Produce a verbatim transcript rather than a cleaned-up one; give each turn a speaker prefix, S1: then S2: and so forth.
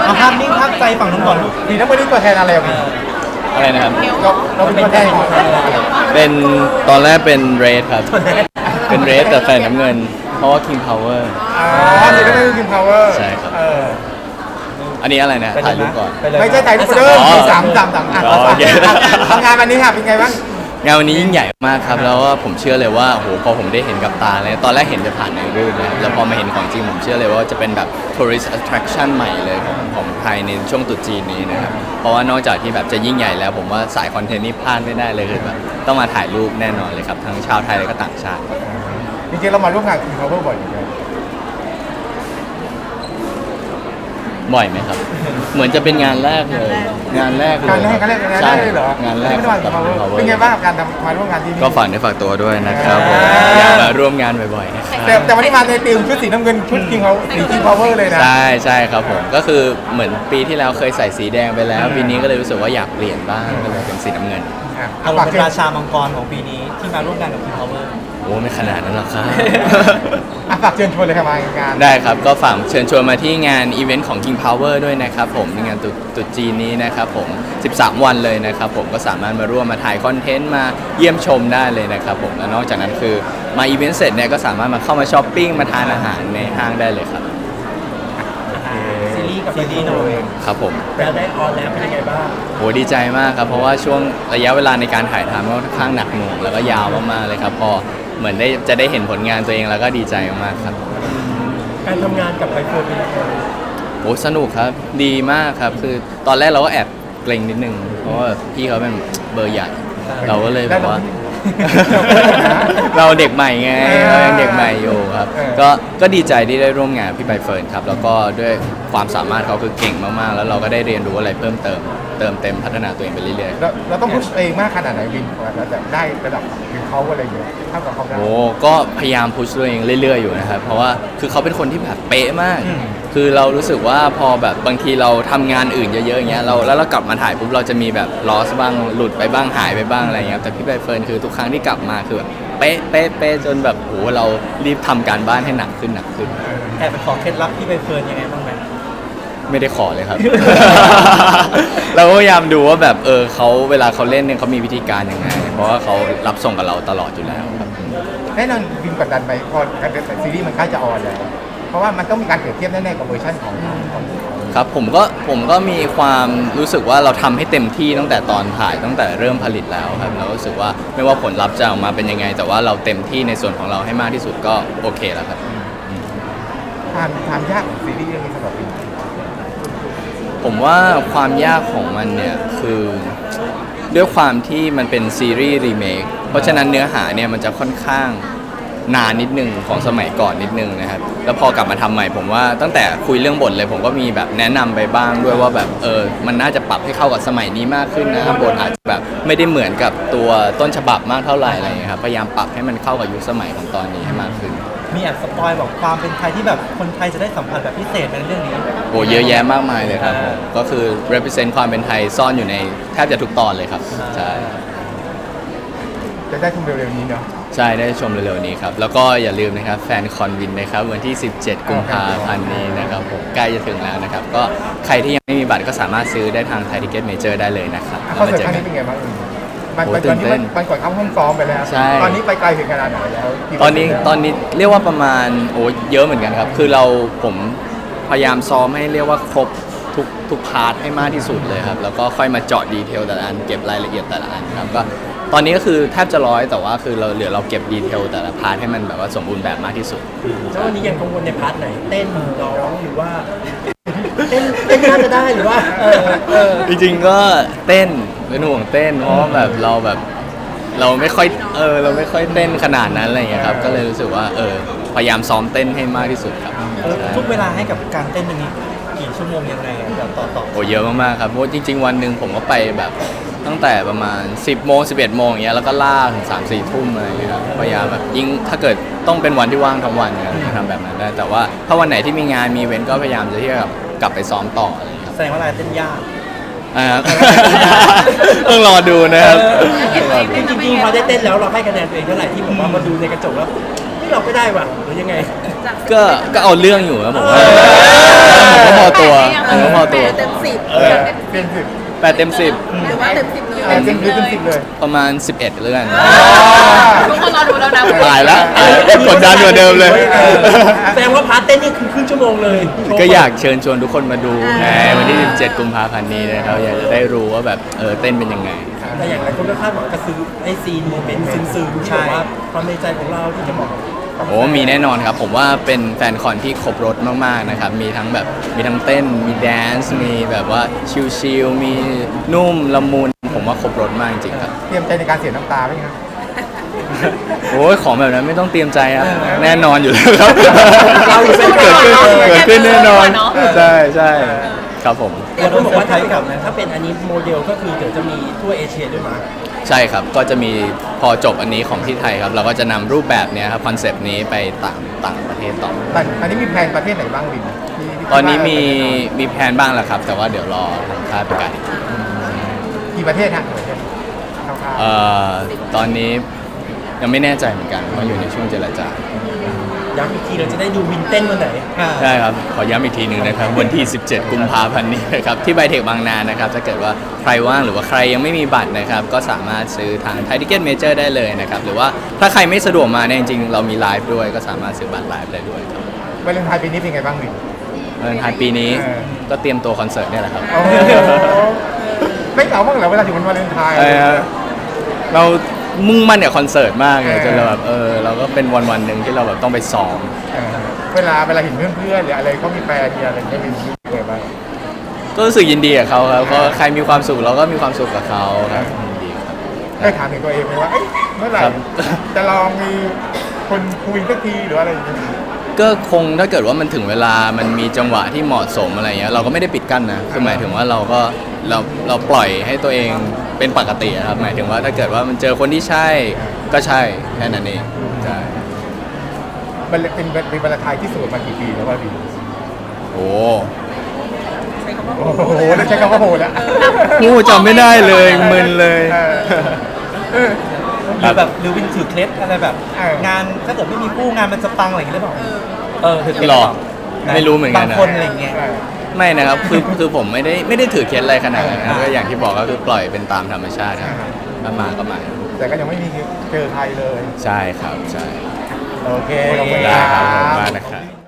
S1: เอาภาพนิ่งภาพใจฝั่งนู้นก่อนลูก
S2: สีน้ำเงินนี่ตัวแทนอะไรอ่ะพี่
S3: อะไรนะครับ
S2: เราเราเป็นตัวแทนของอะไร
S3: เป็นตอนแรกเป็นเรดครับ เป็นเรดแต่ใส่น้ำเงิน เพราะว่า King Power
S2: อ๋อสีน้ำเงินคือคิมพาวเวอร์
S3: ใช่ครับ
S2: เออ
S3: อันนี้อะไรนะถ่ายรูปก่อน
S2: ไม่ใช่ไทยรูปเดิม
S3: อ๋อ
S2: สามสามสามอ่ะ
S3: อ๋อโอเค
S2: ทำงานวันนี้ค่ะเป็นไงบ้าง
S3: งานวันนี้ยิ่งใหญ่มากครับแล้วก็ผมเชื่อเลยว่าโหพอผมได้เห็นกับตาเลยตอนแรกเห็นจะผ่านในรูปนะแล้วพอมาเห็นของจริงผมเชื่อเลยว่าจะเป็นแบบ tourist attraction ใหม่เลยของของไทยในช่วงตรุษจีนนี้นะครับเพราะว่านอกจากที่แบบจะยิ่งใหญ่แล้วผมว่าสายคอนเทนต์นี่พลาดไม่ได้เลยคือแบบต้องมาถ่ายรูปแน่นอนเลยครับทั้งชาวไทยและก็ต่างชาติ
S2: จริงๆเรามาร่วมงานกับคิมพาวเวอร์บ่อยอยู่แล้ว
S3: บ่อยไหมครับ เหมือนจะเป็นงานแรกเลย งานแรกเลย
S2: งานแรกงานแรกงานแร
S3: ใช่
S2: กเลยเหรอง
S3: านแรก
S2: ไม่ได้มากับ Power เป็นไงบ้างกับการทำมาร่วมงานที่นี่
S3: ก็ฝากในอฝากตัวด้วยนะครับผม
S2: อ่า
S3: อยากมาร่วมงานบ่อยๆนะครับ
S2: แต่แต่วันนี้มาในทีมชุดสีน้ำเงินชุดคิงเขาสีคิงพาวเวอร์เลยนะ
S3: ใช่ใช่ครับผมก็คือเหมือนปีที่แล้วเคยใส่สีแดงไปแล้ว ปีนี้ก็เลยรู้สึกว่าอยากเปลี่ยนบ้างก็เลยเป็นสีน้ำเงิน
S2: อ่ะ
S1: เอา
S2: ฝาก
S1: เป็น
S2: เชิญ
S1: ราชามังกรของปีนี้ที่มาร่วมงานกับ King Power
S3: โอ้ไม่ขนาดนั้นหรอกครับ
S2: อ่ะฝากเชิญชวนเลยครับมางาน
S3: ได้ครับก็ฝากเชิญชวนมาที่งานอีเวนต์ของ King Power ด้วยนะครับผมในงานตรุตรุษจีนนี้นะครับผมสิบสามวันเลยนะครับผมก็สามารถมาร่วมมาถ่ายคอนเทนต์มาเยี่ยมชมได้เลยนะครับผมและนอกจากนั้นคือมาอีเวนต์เสร็จเนี่ยก็สามารถมาเข้ามาช้อปปิ้งมาทานอาหารในห้างได้เลยครับ
S1: ซีรีส์กับซีรีส์หน่อย
S3: ครับผม
S1: แล้วได้ออนแล้วเป็นยังไงบ้าง
S3: โหดีใจมากครับเพราะว่าช่วงระยะเวลาในการถ่ายทำก็ค่อนข้างหนักหน่วงแล้วก็ยาวมากๆเลยครับพอเหมือนได้จะได้เห็นผลงานตัวเองแล้วก็ดีใจมากๆครับ
S1: การทำงานกับใบเฟิร์นเป็นยังไง
S3: โอ้สนุกครับดีมากครับคือตอนแรกเราก็แอบเกรงนิดนึงเพราะว่าพี่เขาเป็นเบอร์ใหญ่เราก็เลยแบบว่า เราเด็กใหม่ไงเรายังเด็กใหม่อยู่ครับก็ก็ดีใจที่ได้ร่วมงานพี่ใบเฟิร์นครับแล้วก็ด้วยความสามารถเขาคือเก่งมากๆ แล้วเราก็ได้เรียนรู้อะไรเพิ่มเติมเติมเต็มพัฒนาตัวเองไปเรื่อยๆ
S2: เราเราต้องพุชเองมากขนาดไหนวินกว่าเราจะได้ระดับคิงเขาอะไรอย่างเงี้ยเท่ากับเขาได้
S3: โอ้ก็พยายามพุชตัวเองเรื่อยๆอยู่นะครับเพราะว่าคือเขาเป็นคนที่แบบเป๊ะมาก
S2: อืม
S3: คือเรารู้สึกว่าพอแบบบางทีเราทำงานอื่นเยอะๆอย่างเงี้ยเราแล้วเรากลับมาถ่ายปุ๊บเราจะมีแบบลอสบ้างหลุดไปบ้างหายไปบ้างอะไรเงี้ยแต่พี่ใบเฟิร์นคือทุกครั้งที่กลับมาคือแบบเป๊ะเป๊ะเป๊ะจนแบบโหเรารีบทำการบ้านให้หนักขึ้นหนักขึ้น
S1: แอบไปขอเคล็ดลับที่ใบเฟิร์นยังไงบ้างไหม
S3: ไม่ได้ขอเลยครับ เราก็พยายามดูว่าแบบเออเขาเวลาเขาเล่นเนี่ยเขามีวิธีการยังไง เพราะว่าเขารับส่งกับเราตลอดอยู่แล้วครับ
S2: แน่นอนวินกดดันไหมพอการเป็นซีรีส์มันใกล้จะออนแล้ว เพราะว่ามันต้องมีการเปรียบเทียบแน่ๆกับเวอร์ชันของของ
S3: ครับผมก็ผมก็มีความรู้สึกว่าเราทำให้เต็มที่ตั้งแต่ตอนถ่ายตั้งแต่เริ่มผลิตแล้วครับเรารู้สึกว่าไม่ว่าผลลัพธ์จะออกมาเป็นยังไง แต่ว่าเราเต็มที่ในส่วนของเราให้มากที่สุดก็โอเคแล้วครับ
S2: ความความยากของซีรีส์เรื่องนี้สำหรับวิน
S3: ผมว่าความยากของมันเนี่ยคือด้วยความที่มันเป็นซีรีส์รีเมคเพราะฉะนั้นเนื้อหาเนี่ยมันจะค่อนข้างนานนิดนึงของสมัยก่อนนิดนึงนะครับแล้วพอกลับมาทำใหม่ผมว่าตั้งแต่คุยเรื่องบทเลยผมก็มีแบบแนะนำไปบ้างด้วยว่าแบบเออมันน่าจะปรับให้เข้ากับสมัยนี้มากขึ้นนะครับบทอาจจะแบบไม่ได้เหมือนกับตัวต้นฉบับมากเท่าไหร่อะไรอย่างเงี้ยครับพยายามปรับให้มันเข้ากับยุคสมัยของตอนนี้ให้มากขึ้น
S1: มีแอบสปอยบอกความเป็นไทยที่แบบคนไทยจะได้สัมผัสแบบพิเศษในเรื่องนี้
S3: โอ้เยอะแยะมากมายเลยครับผมก็คือ represent ความเป็นไทยซ่อนอยู่ในแทบจะทุกตอนเลยครับใช่
S2: จะได้ชมเร็วๆนี้เนาะ
S3: ใช่ได้ชมเร็วๆนี้ครับ แล้วก็อย่าลืมนะครับแฟนคอนวินนะครับวันที่ สิบเจ็ด กุมภาพันธ์นี้นะครับผมใกล้จะถึงแล้วนะครับ ก็ใครที่ยังไม่มีบัตรก็สามารถซื้อได้ทางไทยทิเก็ตเมเจอร์ได้เลยนะครับ
S2: อ่ะ
S3: แล้ว
S2: คอน
S3: มา
S2: เสิร์ต
S3: เจอ
S2: ครั้ง
S3: กั
S2: นี้
S3: น
S2: เป็นไงบ้างวินมัน
S3: โอ้
S2: มัน
S3: ตื่
S2: ตอน
S3: น
S2: นี้
S3: เต้
S2: มัน นมันก่อนเข้าห้องซ้อมไปแล้ว
S3: ใช่
S2: ตอนนี้ไปไกลถึงขนาดไหนแล้วกี่
S3: ตอนนี้ตอนนี้เรียกว่าประมาณโอ้เยอะเหมือนกันครับ คือเราผมพยายามซ้อมให้เรียกว่าครบทุกทุกพาร์ทให้มากที่สุดเลยครับ แล้วก็ค่อยมาเจาะดีเทลแต่ละอันเก็บรายละเอียดแต่ละอันครับก็ตอนนี้ก็คือแทบจะร้อยแต่ว่าคือเราเหลือเราเก็บดีเทลแต่ละพาร์ทให้มันแบบว่าสมบูรณ์แบบมากที่สุด
S1: แล้ววันนี้ยังกังวลในพาร์ทไหน เต้นร้องหรือว่า เต้นเต้นน่าจะได้หรือว่าเออเออ
S3: จริงๆก็เต้นเป็นห่วงเต้นเพราะว่าแบบเราแบบเราไม่ค่อยเออเราไม่ค่อยเต้นขนาดนั้นอะไรอย่างเงี้ยครับก็เลยรู้สึกว่าเออพยายามซ้อมเต้นให้มากที่สุดครับ
S1: ทุกเวลาให้กับการเต้นตรงนี้กี่ชั่วโมงยังไงอะแบบต่อต่อ
S3: โอ้เยอะมากๆครับเพราะว่าจริง ๆ วันหนึ่งผมก็ไปแบบตั้งแต่ประมาณ สิบโมงสิบเอ็ดโมงอย่างเงี้ยแล้วก็ล่ากถึงสามสี่ทุ่มอะไรอย่างเงี้ยครับพยายามแบบยิ่งถ้าเกิดต้องเป็นวันที่ว่างทั้งวันเนี่ยจะทำแบบนั้นได้แต่ว่าถ้าวันไหนที่มีงานมีอีเวนต์ก็พยายามจะที่จะกลับไปซ้อมต่ออะไรอย่างเงี้ยครับ
S1: แสดงว่าอะไรเต้นยาก
S3: อ่าครับ ต้องรอดูนะครับ
S1: จริงๆพอได้เต้นแล้วเราให้คะแนนตัวเองเท่าไหร่ที่ผมว่ามาดูในกระจกแล้วไม่ที่เราก็ได้ว่ะหรือยังไง
S3: ก็ก็เอาเรื่องอยู่ครับผมว่าผมก็พอตัวผมก็พอตัว
S4: เต็มสิบ
S2: เออเป็นสิบ
S3: แปดเต็มสิบ
S4: หรือว่าเต็มสิบเลย
S2: เออเต็มสิบเต็มสิบเลย
S3: ประมาณสิบเอ็ดเรื่อง
S4: ทุกคนรอดูแล้วนะ
S3: ตายแล้วกดดันกว่าเดิมเลย
S1: แสดงว่าพาร์ทเต้นนี่คือครึ่งชั่วโมงเลย
S3: ก็อยากเชิญชวนทุกคนมาดูในวันที่สิบเจ็ดกุมภาพันธ์นี้นะครับอยากจะได้รู้ว่าแบบเออเต้นเป็นยังไง
S1: แต่อย่างไรคนก็คาดหวังกระซื้อไอซีนโมเมนต์ซึ้งๆที่แบบว่าความในใจของเราที่จะบอก
S3: โอ้มีแน่นอนครับ ผมว่าเป็นแฟนคอนที่ครบรถมากๆนะครับ มีทั้งแบบมีทั้งเต้น มีแดนซ์ มีแบบว่าชิลๆ มีนุ่มละมุน ผมว่าครบรถมากจริงๆครับ
S2: เตรียมใจในการเสียน้ำตาไหมครับ
S3: โอ้ยของแบบนั้นไม่ต้องเตรียมใจครับ แน่นอนอยู่แล้วครับ
S1: เราอยู่เป็น
S3: เกิดขึ้น
S1: ก่อน
S3: เกิดขึ้นแน่นอน ใช่ใช่ครับผม
S1: เดี๋ยวต้องบอกว่าไทยกับถ้าเป็นอันนี้โมเดลก็คือเดี๋ยวจะมีทั่วเอเชียด้วยมั้ย
S3: ใช่ครับ ก็จะมีพอจบอันนี้ของที่ไทยครับ เราก็จะนำรูปแบบเนี้ยครับคอนเซปต์นี้ไปต่างต่างประเทศต่อ
S2: แต่อันนี้มีแพลนประเทศไหนบ้างวินที่ที่
S3: ตอนนี้มี
S2: คิดว่า
S3: มีแผนบ้างแล้วครับ แต่ว่าเดี๋ยวรอทางค่ายประกาศอีกที
S2: กี่ประเทศฮะกี่ประเทศคร่าวๆ
S3: เอ่อตอนนี้ยังไม่แน่ใจเหมือนกันว่าอยู่ในช่วงเจรจา
S1: ย้ำอีกทีเราจะได้ดูวินเต้นวันไหน
S3: ใช่ครับ ขอย้ำอีกทีหนึ่งนะครับ วันที่ สิบเจ็ด กุมภาพันธ์นี้นะครับ ที่ไบเทคบางนานะครับ ถ้าเกิดว่าใครว่างหรือว่าใครยังไม่มีบัตรนะครับ ก็สามารถซื้อทางไทยทิเก็ตเมเจอร์ได้เลยนะครับ หรือว่าถ้าใครไม่สะดวกมาเนี่ยจริงๆ เรามีไลฟ์ด้วยก็สามารถซื้อบัตรไลฟ์ได้ด้วยครับ
S2: วาเลนไทน์ปีนี้เป็นไงบ้างวิน
S3: เออท้ายปีนี้
S2: เออ
S3: ก็เตรียมตัวคอนเสิร์ตเนี่ยแหละครับ
S2: โอ้โหไม่เหงาบ้างเหรอเวลาถึงวันวาเลนไทน์
S3: เออเรามุ่งมั่นกับคอนเสิร์ตมากเลยจนเราแบบเออเราก็เป็นวันวันๆหนึ่งที่เราแบบต้องไปซ้อม
S2: เออเวลาเวลาเห็นเพื่อนๆหรืออะไรเขามีแฟนมีอะไรก็มีรู้สึกไงบ้าง
S3: ก็รู้สึกยินดีกับเขาครับก็ใครมีความสุขเราก็มีความสุขกับเขาครับยินดีครับ
S2: ได้ถามถึงตัวเองไหมว่าเอ้ยเมื่อไหร่
S3: ครับ
S2: จะลองมีคนคุยสักทีหรืออะไรอย่างเงี้ย
S3: ก็คงถ้าเกิดว่ามันถึงเวลามันมีจังหวะที่เหมาะสมอะไรเงี้ยเราก็ไม่ได้ปิดกั้นนะคือหมายถึงว่าเราก็เราเราปล่อยให้ตัวเองเป็นปกติอะครับหมายถึงว่าถ้าเกิดว่ามันเจอคนที่ใช่ก็ใช่แค่นั้นเองใช่
S2: มันเป็นเป็นวาเลนไทน์ที่สวยมากี่ปีแล้ววะพี่
S3: โอ้
S2: โอ้โหได้ใช้คำว่าโหแล้ว
S3: โหจำไม่ได้เลยมึนเลย
S2: เออเออ
S1: หรือแบบหรือวินถือเคล็ดอะไรแบบ
S2: เออ
S1: งานถ้าเกิดไม่มีคู่งานมันจะปังอะไรอย่างเงี้ยหรือเปล่าเออถือเคล็ด
S3: หรอ
S1: นะ
S3: ไม่รู้เหมือนกันนะ
S1: บางคนอะไรอย่างเงี้ย
S3: ไม่นะครับคือคือผมไม่ได้ไม่ได้ถือเคล็ดอะไรขนาดนั้นนะก็อย่างที่บอกก็คือปล่อยเป็นตามธรรมชาติครับถ้ามาก็มา
S2: แต่ก็ยังไม่มีเจอใครเลย
S3: ใช่ครับใช่
S2: โอเคขอบคุณ
S3: ได้ครับขอบคุณ
S2: ค
S3: มา
S2: รั
S3: ก
S2: บ
S3: นะครับ